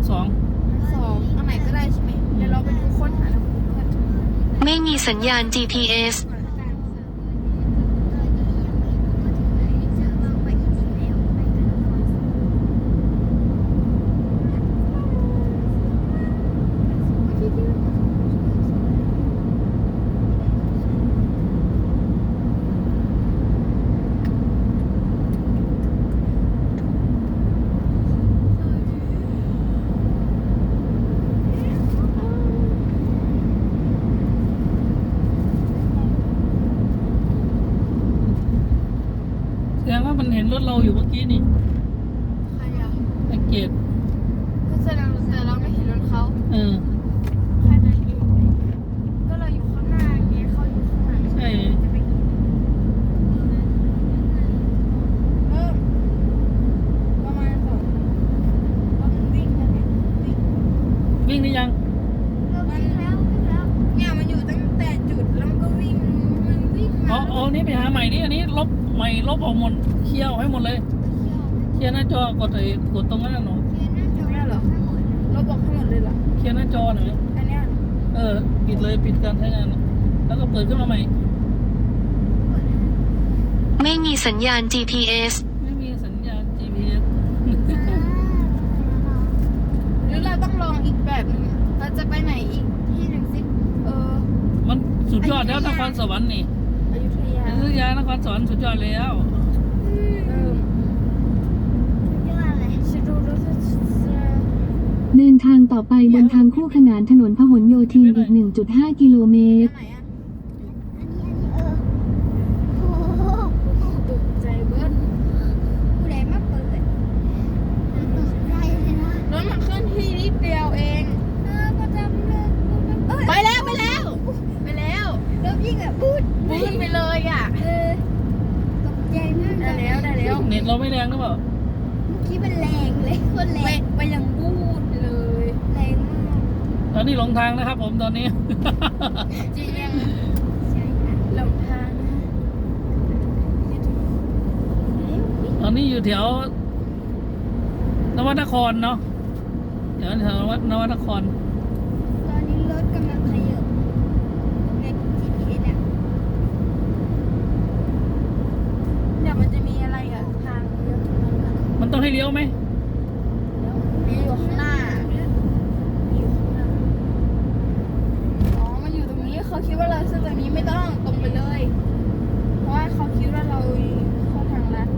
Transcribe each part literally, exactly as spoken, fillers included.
สองสองอันไหนก็ได้ใช่ไหมเดี๋ยวเราไปดูค้นหาแล้วกันไม่มีสัญญาณ จี พี เอสแสดงว่ามันเห็นรถเราอยู่เมื่อกี้นี่ใครอ่ะไอเกตก็แสดงแต่เราไม่เห็นรถเขาเออแค่นั้นเองก็เราอยู่ข้างหน้าไงเขาอยู่ข้างหลังใช่จะไปเริ่มประมาณสองว่ามันวิ่งแล้วเนี่ยวิ่งวิ่งได้ยังมันแล้ววิ่งแล้วเนี่ยมันอยู่ตั้งแต่จุดแล้วมันก็วิ่งมันวิ่งอ๋มาออ๋อนี่ไปหาใหม่ดิอันนี้ลบใหม่ลบออกหมดเคลียร์ออกให้หมดเลยเคลียร์หน้าจอกดไอ้กดตรงนั้นน่ะหนูเนี่ยเหรอเราบอกทั้งหมดเลยเหรอเคลียร์หน้าจอหน่อยอันเนี้ยเออปิดเลยปิดการใช้งานแล้วก็เปิดขึ้นมาใหม่ไม่มีสัญญาณ จี พี เอสไม่มีสัญญาณ จี พี เอสหรือเราต้องลองอีกแบบหนึงเราจะไปไหนอีกที่หนึ่งสิเออมันสุดยอดแล้วนครสวรรค์นี่อยุธยาอยุธยานครสวรรค์สุดยอดแล้วเออชิดูดูดูเดินทางต่อไปบนทางคู่ขนานถนนพหลโยธินอีก หนึ่งจุดห้า กิโลเมตรไหนอ่ะตกใจเบิ้ลรถมันเคลื่อนที่นิดเดียวเองไปแล้วไปแล้วไปแล้วพูดไปเลยอ่ะได้แล้วได้แล้วเน็ตเราไม่แรงหรือเปล่าไปไปยังพูดเลยแรงมากตอนนี้หลงทางนะครับผมตอนนี้จริงหลงทางนะตอนนี้อยู่แถว นวนครเนาะแถวแถวนวนครตอนนี้รถกำลังขยับใน จี พี เอส อ่ะเดี๋ยวมันจะมีอะไรอ่ะทางเลี้ยวตรงนั้นอ่ะมันต้องให้เลี้ยวไหมมีอยู่ข้างหน้ามีอยู่ข้างหน้าอ๋อมันอยู่ตรงนี้เขาคิดว่าเราซื้อตรงนี้ไม่ต้องตรงไปเลย เพราะว่าเขาคิดว่าเราเข้าทางลัด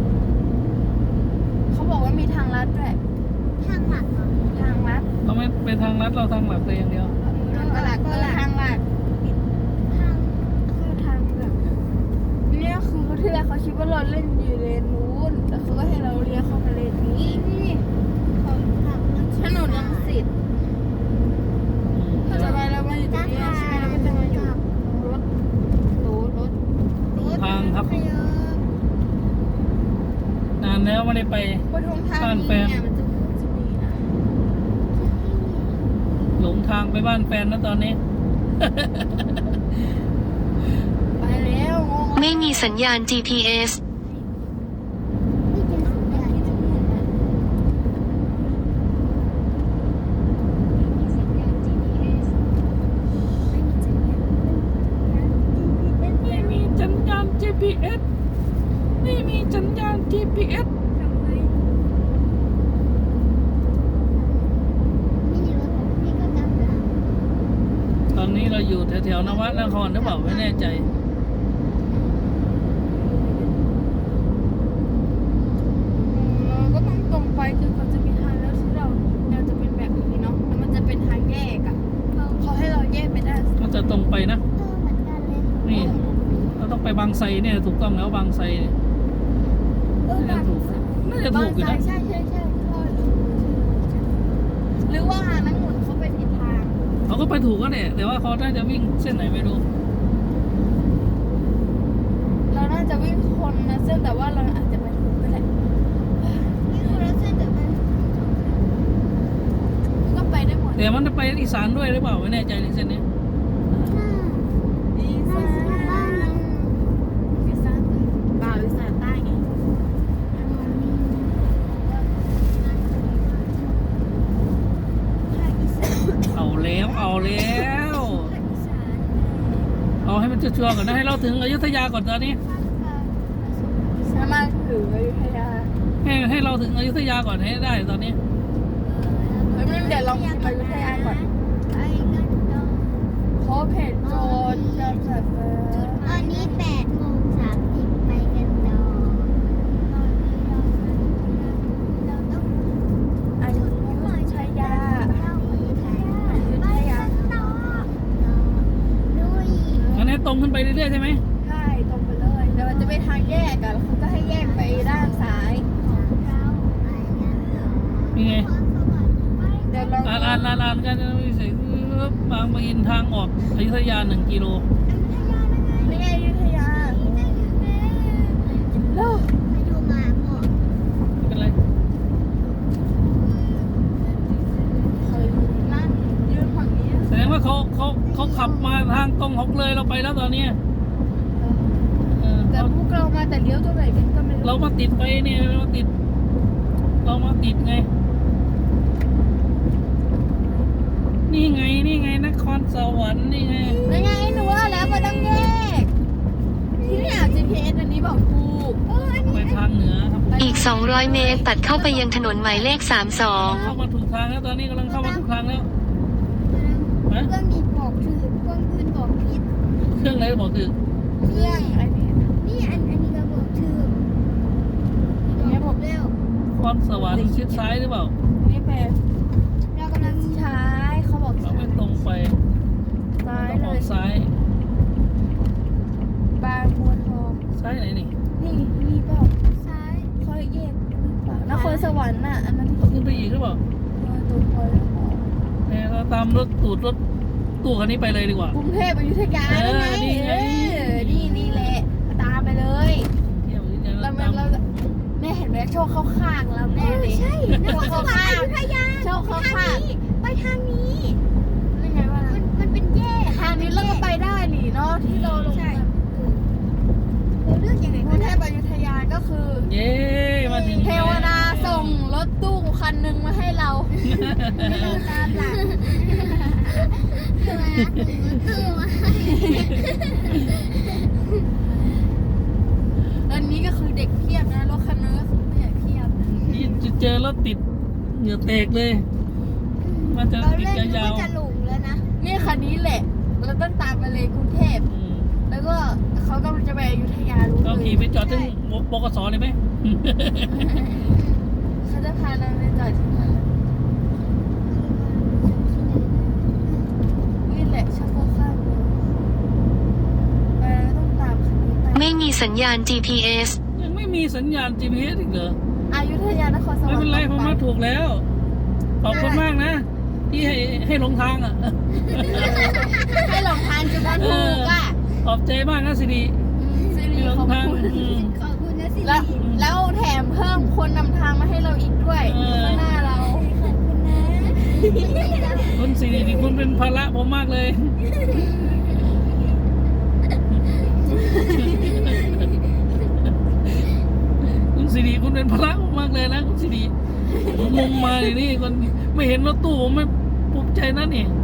เขาบอกว่ามีทางลัดด้วยทางลัดทางลัดเราไม่ไปทางลัดเราทางหลักเลยอย่างเดียวตลาดก็ทางลัดทางคือทางแบบเนี่ยคือที่แรกเขาคิดว่าเราเล่นอยู่เลนนู้นแต่เขาก็ให้เราเลี้ยวเข้ามาเลนนี้ถนนรังสิตจะไปแล้วมาอยู่ตรงนี้ใช่ไหมแล้วก็จะมาอยู่รถรถรถรถทางครับ นานแล้วไม่ได้ไปปทุมธานีเนี่ยมันจะจะมีนะหลงทางไปบ้านแฟนนะตอนนี้ไปแล้วงงไม่มีสัญญาณ จี พี เอสไม่มีสัญญาณ จี พี เอส ไม่มีสัญญาณ จี พี เอส ตอนนี้เราอยู่แถวๆนวนครหรือเปล่าไม่แน่ใจเราก็ต้องตรงไปจนเขาจะมีทางแล้วที่เราเราจะเป็นแบบนี้เนาะแล้วมันจะเป็นทางแยกอ่ะเขาให้เราแยกไปได้มันจะตรงไปนะ นี่เราต้องไปบางไทรเนี่ยถูกต้องแล้วบางไทรเนี่ยเออน่าจะถูกน่าจะถูกอยู่นะใช่ใช่ใช่หรือว่านักหมุนเขาไปผิดทางเขาก็ไปถูกก็เนี่ยแต่ว่าเขาน่าจะวิ่งเส้นไหนไม่รู้เราน่าจะวิ่งคนนะเส้นแต่ว่าเราอาจจะไปถูกก็ได้นี่คือเราเส้นแต่มันก็ไปได้หมดแต่มันจะไปอีสานด้วยหรือเปล่าไม่แน่ใจในเส้นนี้อีสานอีสานเปล่าอีสานใต้ไงแล้ว เอาให้มันชัวร์ๆก่อนนะให้เราถึงอยุธยาก่อนตอนนี้ถ้ามาถึงอยุธยาให้ให้เราถึงอยุธยาก่อนให้ได้ตอนนี้เฮ้ยเดี๋ยวลองพิมพ์อยุธยาก่อนพบเห็นโจรจะจับตอนนี้แปดโมงสามสิบไปกันต่อเราต้องอยุธยาเข้าไปกันไปกันต่อลุยอันนี้ตรงขึ้นไปเรื่อยๆใช่ไหมใช่ตรงไปเลยเดี๋ยวมันจะไปทางแยกกันแล้วเขาก็ให้แยกไปด้านซ้ายเราไปกันต่อนี่ไงเดี๋ยวลองอ่านอ่านอ่านอ่านกันจะไม่ใส่บางปะอินทางออกอยุธยาหนึ่งกิโลนี่ไงอยุธยาโลกไปดูมาพ่อไม่เป็นไรเคยนั่นยืนฝั่งนี้แสดงว่าเขาเขาเขาขับมาทางตรงของเลยเราไปแล้วตอนนี้เออแต่พวกเรามาแต่เลี้ยวตรงไหนกันก็ไม่รู้เรามาติดไปเนี่ยเรามาติด เรามาติดไง นี่ไงนี่ไงนครสวรรค์นี่ไงไม่ไงหนูว่าแล้วมันต้องแยก ที่เนี่ย จี พี เอส อันนี้บอกถูกเอออันไปนี้ทางเหนือครับอีก สองร้อย เมตร ตัดเข้าไปยังถนนหมายเลข สามสองเข้ามาถูกทางแล้วตอนนี้กำลังเข้ามาถูกทางแล้วฮะเครื่องนี้บอกถือเครื่องอื่นบอกผิดเครื่องไหนบอกคือเครื่องอันนี้นี่อันอันนี้ก็บอกถืออันนี้บอกเร็วนครสวรรค์ชิดซ้ายหรือเปล่าอันนี้เป็นเรากำลังซ้ายเขาบอกเราซ้ายไม่ตรงไปซ้ายเราเลออย กซ้ายบางบัวทองซ้ายไหนนี่นี่นี่เปล่าซ้ายเขาแยกหรือเปล่านครสวรรค์น่ะ อันนั้นที่เราขึ้นไปอีกหรือเปล่าเออตรงไปหรือเปล่าเนี่ยเราตามรถตูดรถตู้คันนี้ไปเลยดีกว่ากรุงเทพอยุธยาเออไงนี่ไงเออนี่นี่แหละ ตามไปเลยเที่ยวนี้จะเราตามเราแม่เห็นไหมโชคเข้าข้างเราแน่เลยใช่นครสวรรค์อยุธยาโชคเข้าข้างไปทางนี้นี่ไงวะมันมันเป็นแยกทางนี้เราก็ไปได้นี่เนาะที่เราลงใช่เราเลือกยังไงกก็รุงเทได้พอยุธยาก็คือเย้มาถึงเทวดาส่งรถตู้คันหนึ่งมาให้เราเราตามหลังเทวดาถึงมือตื้อมาให้อันนี้ก็คือเด็กเพียบนะรถคันนึงก็คือผู้ใหญ่เพียบนี่จะเจอรถติดเหงื่อแตกเลยมันจะเราติดเล่นยาวก็จะหลงแล้วนะนี่คันนี้แหละ เราต้องตามไปเลยกรุงเทพๆอืมแล้วก็เขากำลังจะไปอยุธยารู้เราเลยขี่ไปจอดถึงบกสเลยไหมเขาจะพาเราไปจอดที่นั่นนี่แหละชอบเข้าข้างเลยไปแล้วต้องตามคันนี้ไปไม่มีสัญญาณ จี พี เอสยังไม่มีสัญญาณ จี พี เอส อีกเหรออยุธยานครสวรรค์ไม่เป็นไรผมต่อมาถูกแล้ว ขอบคุณมากนะ ที่ให้ให้หลงทางอ่ะให้หลงทางจนมาถูกอ่ะขอบใจมากนะสิริสิริที่หลงขอบทางคุณอืมขอบคุณนะสิแล้วแล้วแถมเพิ่มคนนำทางมาให้เราอีกด้วยเออข้างหน้าเราขอบคุณนะคุณสิรินี่คุณเป็นภาระผมมากเลย คุณสิริคุณเป็นภาระผมมากเลยนะคุณสิริผมมุงมานี่นี่คนไม่เห็นรถตู้ผมไม่ภูมิใจนะนี่